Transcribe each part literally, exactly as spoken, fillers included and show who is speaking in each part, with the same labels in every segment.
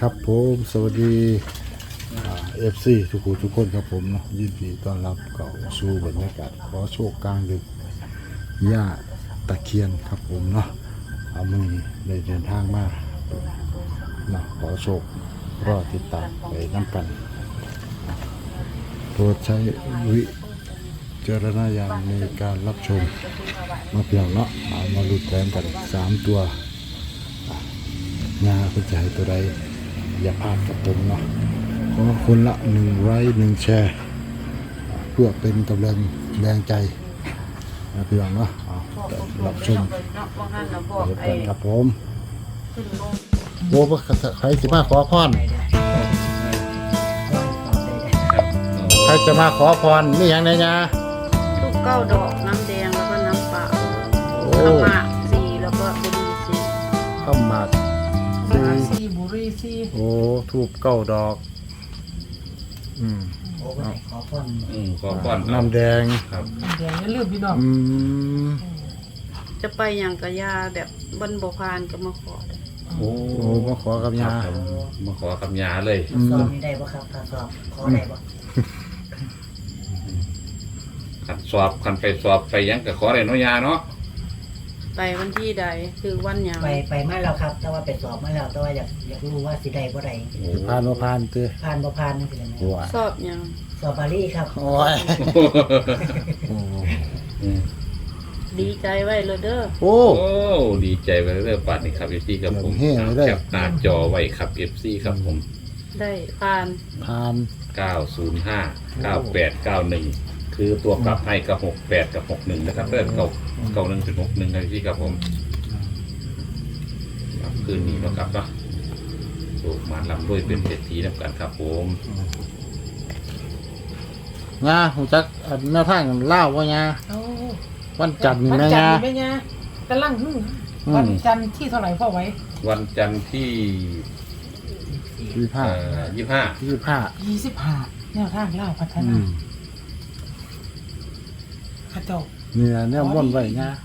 Speaker 1: ครับผมสวัสดีเอฟซีทุกคนทุกคนครับผมเนาะยินดีต้อนรับเข้าสู่บรรยากาศขอโชคกลางดึกหญ้าตะเคียนครับผมเนาะเอามือได้เดินทางมาเนาะขอโชครอติดตามไปน้ำกันโปรดใช้วิจารณญาณในการรับชมมาเพียงเนาะเอามาลุ้นแต้มกันสามตัวงาเป็นใจตัวใดอย่าพลาดกับผมเนาะขอคนละหนึ่งไลค์หนึ่งแชร์เพื่อเป็นกำลังแรงใจนะพี่น้องเนาะรับชมเดี๋ยวกันครับผมโอ้พใครจะมาขอพรใครจะมาขอพรมีอย่างไรนะ
Speaker 2: ลูกเก้าดอกน้ำแดงแล้วก็น้ำเปล่าข้าวหมากสีแล้วก็บุหรี่สี
Speaker 1: ข้าวหมาก
Speaker 2: สีบุหรี่สี
Speaker 1: โอ้ทูบเก้าดอกอืม
Speaker 3: ขอพร
Speaker 4: อืมขอพร
Speaker 1: น้ำแดง
Speaker 4: ครับ
Speaker 2: น้ำแดงอย่าลืมพี่น้อง
Speaker 1: อืม
Speaker 2: จะไปอย่างกะยาแบบบนบกพานก็มาขอ
Speaker 4: โอ้
Speaker 1: โอ้มาขอกับยา
Speaker 4: มาขอกับยาเลย
Speaker 3: สอบนี่ได้ป่ะครับถ้าสอบขอได้ป่ะ
Speaker 4: ขันสอบขันไปสอบไปยังกับขอได้เนาะยาเนาะ
Speaker 2: ไปวันที่ใดคือวันหยัง
Speaker 3: ไปไปมาแล้วครับแต่ว่าไปสอบมาแล้วแต่ว่าอยากอยากรู้ว่าสิได้บ่ได้
Speaker 1: ผ่านบ่ผ่านเตื้อ
Speaker 3: ผ่านบ่ผ่านนั่นสิได้ไหม
Speaker 2: สอบหยัง
Speaker 3: สอบบาลีครับ
Speaker 1: โอ้ย
Speaker 2: ดีใจไว้เลยเด้อ
Speaker 1: โอ้
Speaker 4: โอ้ดีใจไปเรื่อยๆปัดนี่ครับเอฟซีครับผมแคปหน้าจอไว้ครับเอฟซีครับผม
Speaker 2: ได้ผ่าน
Speaker 1: ผ่าน
Speaker 4: เก้าศูนย์ห้า เก้าแปด เก้าหนึ่งคือตัวกลับให้กับหกแปดกับหกหนึ่งนะครับเริ่มเก้าเก้าหนึ่งถึงหกหนึ่งนะพี่ครับผมคืนนี้นะครับเนาะถูกมาลำด้วยเป็นเศรษฐีนำกันครับผม
Speaker 1: งาหูจักแนวทางเล่าว่างาวันจันทร์นี่แม่งา
Speaker 2: แม่งากำลังหึ่งวันจันทร์ที่เท่าไหร่พ่อไว้
Speaker 4: วันจันทร์ที่
Speaker 1: ยี่สิบห้า
Speaker 4: ยี่สิบห้า
Speaker 1: ยี่สิบห้า
Speaker 2: ยี่สิบห้าแนวทางเล่าพัฒนาข้าเจ้า
Speaker 1: เนี่ยเนี่ยว่นไว้งา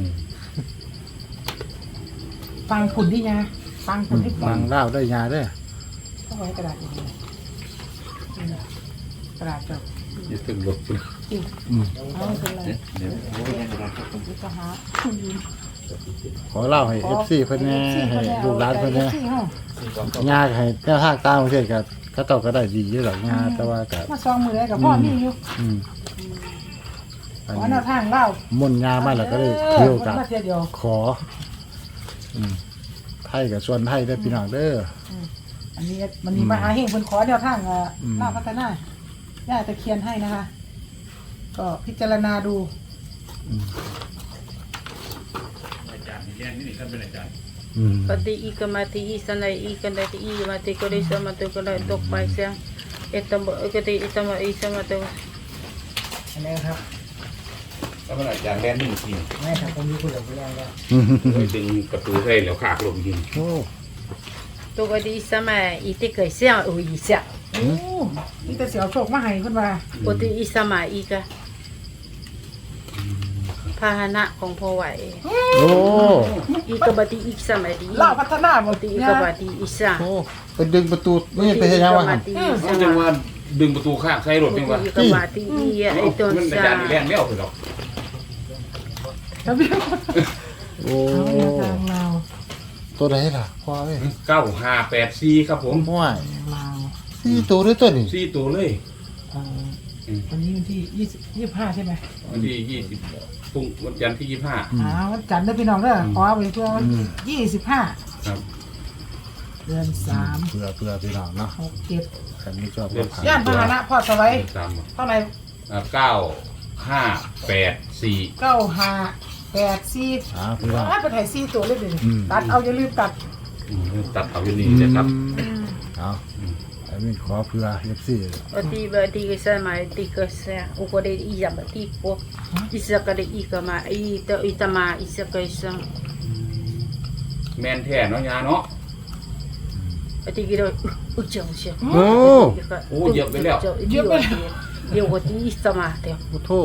Speaker 2: ฟังผุนที่ยาฟังผุนที่
Speaker 1: ฟังเล่าได้ยาได้
Speaker 2: พ่อไว้กระดาษอย่างนี้กระดาษเจ้า
Speaker 4: ยึดถึงลบ
Speaker 2: อืมเอาเป็นไรเดี๋ยวจะหา
Speaker 1: ขอเล่าให้เอฟซีเพื่อนแน่ให้ลูกหลานเพื่อนแน่งาให้แนวทางตามประเทศกับเขาต่อก็ได้ดีอยู่หรอกงาแต่ว่ากับ
Speaker 2: มาซองมือได้กับพ่อมีอยู่ขอแนวทางเล่า
Speaker 1: มุ่นงามาแล้วก็เลยเที่ยวกับขอไทยกับส่วนไทยได้พี่น้องเด้อ
Speaker 2: อันนี้มันมีมาหาเฮงเป็นขอแนวทางเล่าพัฒนาย่าตะเคียนให้นะคะก็พิจารณาดู
Speaker 4: อาจารย์นี่เรียนนี่ท่านเป็นอาจารย์
Speaker 2: ปฏิอีกมาติอีสันไลอีกันได้อีมาติก็ได้สมาติก็ได้ตกไปเสียเอตมก็ได้อิตมาอีสมาติ
Speaker 3: อันนี้ครับ
Speaker 4: ท่านเป็นอาจารย์เรียนนี่จริง
Speaker 3: ไม่ครับผมมีคนหลงไปแล้วก็
Speaker 4: ดึงประตูให้แล้วขาดลงจริง
Speaker 1: โอ้
Speaker 2: ตัวก็ดีสมัยอีติเกยเสียโอ้ยเสียโอ้นี่แต่เสียวโชคมาให้คนว่าปฏิอีสมัยอีกะพาหนะของพ่อไหว
Speaker 1: โอ้
Speaker 2: อีกบัติอีสมัยดี
Speaker 3: เล่าพัฒนา
Speaker 2: บัติอีกบัติอีสาน
Speaker 1: โอ้เป็นดึงประตูไม่เป็นยังไงวะ
Speaker 4: เขาจะว่าดึงประตูข้างใส่รถยังวะ
Speaker 2: อีกบัติอีไอตัว
Speaker 4: มันอาจารย์เรียนไม่เอาไปหรอก
Speaker 1: โอ้ตัวไหนล่ะพ่อเอ้ย
Speaker 4: เก้าห้าแปดสี่ครับผม
Speaker 1: ว้ายสี่ตัวด้วยตัวนี้
Speaker 4: สี่ตัวเลย
Speaker 2: วันนี้วันที่ยี่สิบยี่สิบห้าใช่ไหม
Speaker 4: วันที่ยี่สิบพรุ่งวันจันทร์ที่ยี่สิบห้า
Speaker 2: อ่าวันจันทร์ได้พี่น้องเด้อขอไปเพื่อวันยี่สิบห้า
Speaker 4: ครับ
Speaker 2: เดือนสาม
Speaker 1: เพื่อเพื่อพี่น้องเนาะ
Speaker 2: หกเจ็ด
Speaker 1: คันนี้ชอบ
Speaker 2: ย่านพาหนะพ่อสไลด์เท่าไหร่
Speaker 4: เก้าห้าแปดสี่
Speaker 2: เก้าห้าแปดสี่
Speaker 1: อ่าพี่น้อง
Speaker 2: ไปถ่ายสี่ตัวเลยดิตัดเอาอย่าลืมตัด
Speaker 4: ตัดเอาอยู่นี่นะครับ
Speaker 1: เอาอันนี้ขอเพื่อเอฟซี
Speaker 2: บัติบัติก็สมัยติก็เสียอุกเดอีจับบัติโปอิสกเดอีกมาอีเตอิตมาอิสกอิส
Speaker 4: แมนแท้เนาะยาเนาะ
Speaker 2: บัติก็อุจจาระเสีย
Speaker 1: โอ้
Speaker 4: โอ้เยอะไปแล้ว
Speaker 2: เยอะไปเยอะกว่าที่อิสมาเดียว
Speaker 1: โอ้โธ่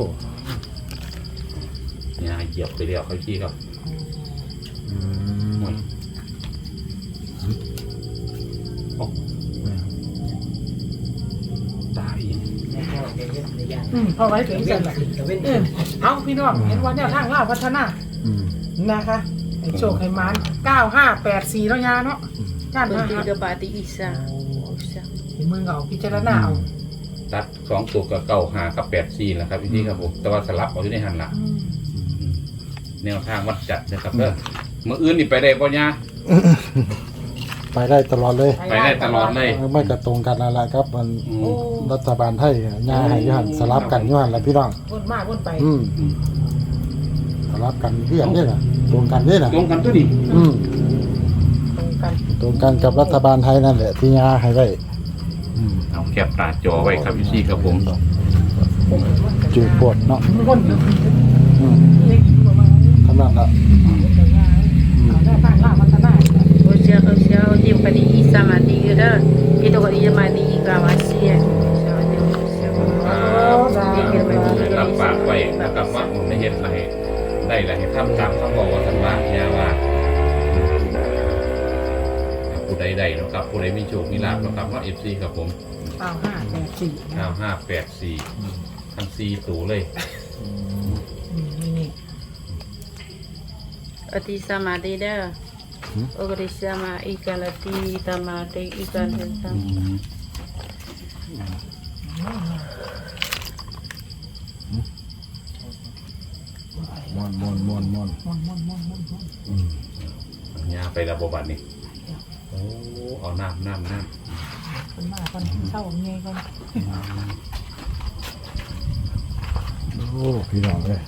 Speaker 4: ยาเหยียบไปแล้วเขาขี้ครับ
Speaker 1: อืม
Speaker 4: โอ้ตาย
Speaker 3: แล้วก็จะยึดในย่าง
Speaker 2: อืมพอไว้ถึง
Speaker 3: เว้
Speaker 2: เสร็
Speaker 3: น
Speaker 2: จแล้ว
Speaker 3: ขึ้นกับเว้น
Speaker 2: เอ
Speaker 3: ขึ้
Speaker 2: อน เอาพี่น้องเห็นว่าแนวทางล่าพัฒนา
Speaker 1: อืม
Speaker 2: นะคะให้โชคให้หมานเก้าห้าแปดสี่แล้วยาเนาะด้าน
Speaker 5: คน
Speaker 2: มา
Speaker 5: ที่
Speaker 2: หา
Speaker 5: กระบาดที่อีสานอีสาน
Speaker 2: เห็นมือเอาพิจารณาเอา
Speaker 4: ตัดสองตัวกับเก้าหากับแปดสี่แหละครับพี่ครับผมแต่ว่าสลับเอาอยู่ในหันละ
Speaker 2: อืม
Speaker 4: แนวทางวัดจัดนะครับเด้อเมื่ออื่นนี่ไปได้ป่ะเนี่ย
Speaker 1: ไปได้ตลอดเลย
Speaker 4: ไปได้ตลอดเลย
Speaker 1: ไม่กระตรงกันอะไรครับมัน
Speaker 4: อื
Speaker 2: โอ้
Speaker 4: ม
Speaker 1: รัฐบาลไทยยาให้ยหันสลับกันยหันแล้วพี่น้อง
Speaker 2: วนมาวนไป
Speaker 1: อืม
Speaker 4: อืม
Speaker 1: สลับกันเพื่อนนี่แหละตรงกันนี่แหละ
Speaker 4: ตรงกันตัวนี้
Speaker 1: อืม
Speaker 2: ตรงกัน
Speaker 1: ตรงกันกับรัฐบาลไทยนั่นแหละที่ยาให้ไว้อืม
Speaker 4: เอาแคปตาจอไว้ครับพี่ครับผม
Speaker 1: จืดปวดเนาะ
Speaker 2: วนอยู่
Speaker 1: อืม
Speaker 2: เล็กประมาณนี้
Speaker 1: ขนาดละ
Speaker 2: เอาแนวทางล่าพัฒนา
Speaker 5: โอเชียโอเชียโอที่คนที่อีสานมาที่ก็ได้ที่ตัวคนที่จะมาที่อีกามาเสียใช่เดี๋ยวเสียคน
Speaker 4: รับปากไว้นะครับว่าผมได้เห็นอะไรได้อะไรให้ทำตามคำบอกว่าสันว่าเนี่ยว่าผู้ใดใดนะครับผู้ใดมีโชคมีลาภนะครับว่าเอฟซีครับผม
Speaker 2: เก้าห้าแปดสี่
Speaker 4: เก้าห้าแปดสี่ทั้งสี่ตัวเลย
Speaker 2: นี่นี่
Speaker 5: อธิสมาธิเด้อโอกริสมาอีกันละที่ตามาที่อีกันเห็นตั้ง
Speaker 1: มวนมวนมวนมวน
Speaker 2: มวนมวนมวนมวนมวน
Speaker 4: เนี่ยไประบบบัตรนี่โอ้เอาน้ำน้ำน้
Speaker 2: คนมาคนเศร้าเงี้ยคน
Speaker 1: โอ้พี่น้องเลย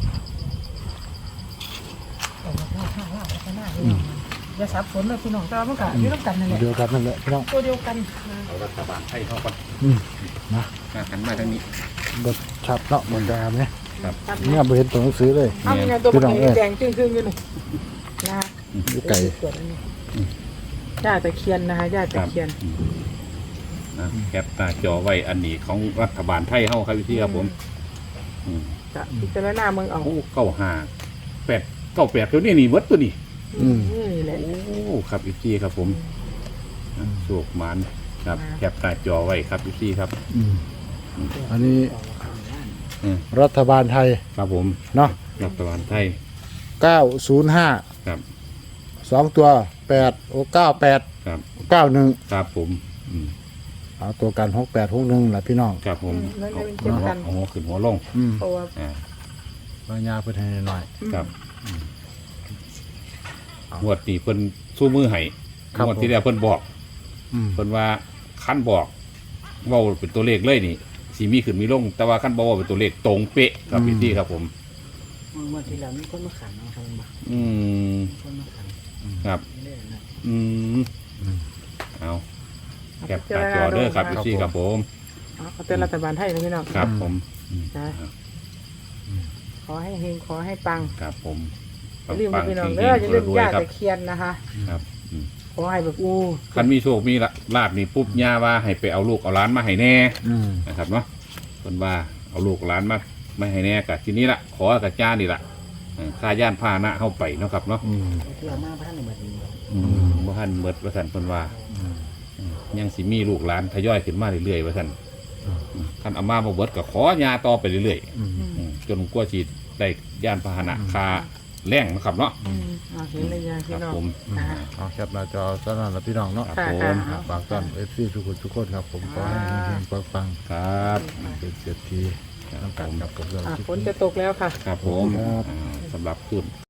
Speaker 2: แต่ว่าข้างข้างล่าพัฒนาเลยอย่าสับสนเลยพี่น้องแต่ว่ามันก็อยู่ร่วมกันนั่นแหละ
Speaker 1: เดียวกันนั่นแหละพี่น้อง
Speaker 2: ตัวเดียวกันนะ
Speaker 4: ำเอารัฐบาลให้เข้ากัน
Speaker 1: อืมนะ
Speaker 4: มาหันมาทางนี้
Speaker 1: บทชัดเนาะบนกลางเนี่ย
Speaker 4: ครับ
Speaker 1: เนี่ยไปเห็นตัวหนังสือเลย
Speaker 2: เอายังไงตัวมันแดงจึ้งๆอยู่นี่นะ
Speaker 1: อยู่ไก่
Speaker 2: ย่าตะเคียนนะคะย่าตะเคียน
Speaker 4: นะแคปตาจอไว้อันนี้ของรัฐบาลไทยเข้าครับพี่ครับผมอืม
Speaker 2: จะพิจารณาเมืองเอา
Speaker 4: โอ้เก้าห้าแปดเก้าแปดตัวนี้นี่วัดตัวนี้
Speaker 1: อืม
Speaker 2: นี่แหละ
Speaker 4: โอ้ครับพี่ครับผมอ่ะโชคหมันครับแคปตาจอไว้ครับพี่ครับ
Speaker 1: อืมอันนี้
Speaker 4: อืม
Speaker 1: รัฐบาลไทย
Speaker 4: ครับผม
Speaker 1: เนาะ
Speaker 4: รัฐบาลไทย
Speaker 1: เก้าศูนย์ห้า
Speaker 4: ครับ
Speaker 1: สองตัวแปดโอ้เก้าแปด
Speaker 4: ครับ
Speaker 1: เก้าหนึ่ง
Speaker 4: ครับผมอืม
Speaker 1: เอาตัวกันหกแปดหกหนึ่งแหละพี่น้อง
Speaker 4: ครับผม
Speaker 2: แล้ว
Speaker 4: เอา
Speaker 2: จะเป็นเจ็บกัน
Speaker 4: เอาหัวขึ้นหัวลง
Speaker 1: อืม
Speaker 2: เพราะว่า
Speaker 4: อ่า
Speaker 1: บางยาเพื่อนให้หน่อย
Speaker 4: ครับงวดนี้เพิ่นสู้มือให้
Speaker 1: ครับ
Speaker 4: งวดที่แล้วเพิ่นบอก
Speaker 1: อืม
Speaker 4: เพิ่นว่าคันบอกเว่าเป็นตัวเลขเลยนี่สีมีขึ้นมีลง แต่ว่าคันบอกว่าเป็นตัวเลขตรงเป๊ะครับพี่ที่ครับผม
Speaker 3: เมื่อที่เรามีคนมาขันเนาะครับมา
Speaker 4: อืม
Speaker 3: คนมาขัน
Speaker 4: ครับ
Speaker 3: เรื่อยๆนะ
Speaker 4: อืมเอาแคปตาจอเด้อครับพี่ที่ครับผม
Speaker 2: เอาเป็นรัฐบาลไทยนะพี่น้อง
Speaker 4: ครับผม
Speaker 2: นะขอให้เฮงขอให้ปัง
Speaker 4: ครับผม
Speaker 2: อย่าลืม
Speaker 4: ปัง
Speaker 2: พี่น้อง
Speaker 4: ๆ
Speaker 2: เด้ออย่าลืม
Speaker 4: รวย
Speaker 2: ย่า
Speaker 4: ๆครับ
Speaker 2: ตะเคียนนะคะ
Speaker 4: ครับอืม
Speaker 2: ขอให้แบบอู้
Speaker 4: คันมีโชคมีลาบนี่ปุ๊บย่าว่าให้ไปเอาลูกเอาหล้านมาให้แน่
Speaker 1: อืม
Speaker 4: นะครับเนาะคนว่าเอาลูกหลานมาไม่ให้แน่กับทีนี้ละขอกับจ้านี่ละเออค่าย่านพาหนะเข้าไปเนาะครับเนาะ
Speaker 1: อืม
Speaker 3: ที่เรามาพระท่านในบัดนี้
Speaker 4: อืมว่าท่านเมิดว่าท่านคนว่าอืมยังสิมีลูกหลานทยอยขึ้นมาเรื่อยๆว่าท่านท่านเอามามาเบิดก็ขอยาต่อไปเรื่อย
Speaker 1: อืม
Speaker 4: ๆอืมจนกว่าจีได้ย่านพาหนะคาแรงนะครับเนาะ
Speaker 2: อืมเอาเห็นเลยยา
Speaker 4: ค
Speaker 2: พี่
Speaker 4: รับ
Speaker 2: น้อง
Speaker 4: ผม
Speaker 2: อ่า
Speaker 1: เอาแคปหน้าจอตอนนั้นละพี่น้องเนาะ
Speaker 4: ครับ
Speaker 2: ค่ะ
Speaker 4: ผม
Speaker 2: ค่ะ
Speaker 1: ฝากต้อนเอฟซีทุกคนทุกคนครับผมขอให้เฮงๆปัง
Speaker 4: ครับ
Speaker 1: ๆเป็นเศรษฐีน้ำกันกับกับเรา
Speaker 2: อ่ะ
Speaker 1: ทุก
Speaker 2: ฝ
Speaker 1: คน น
Speaker 2: จะตกแล้วค่ะ
Speaker 4: ครับผม
Speaker 1: ครับ
Speaker 4: อ่าสำหรับคุณ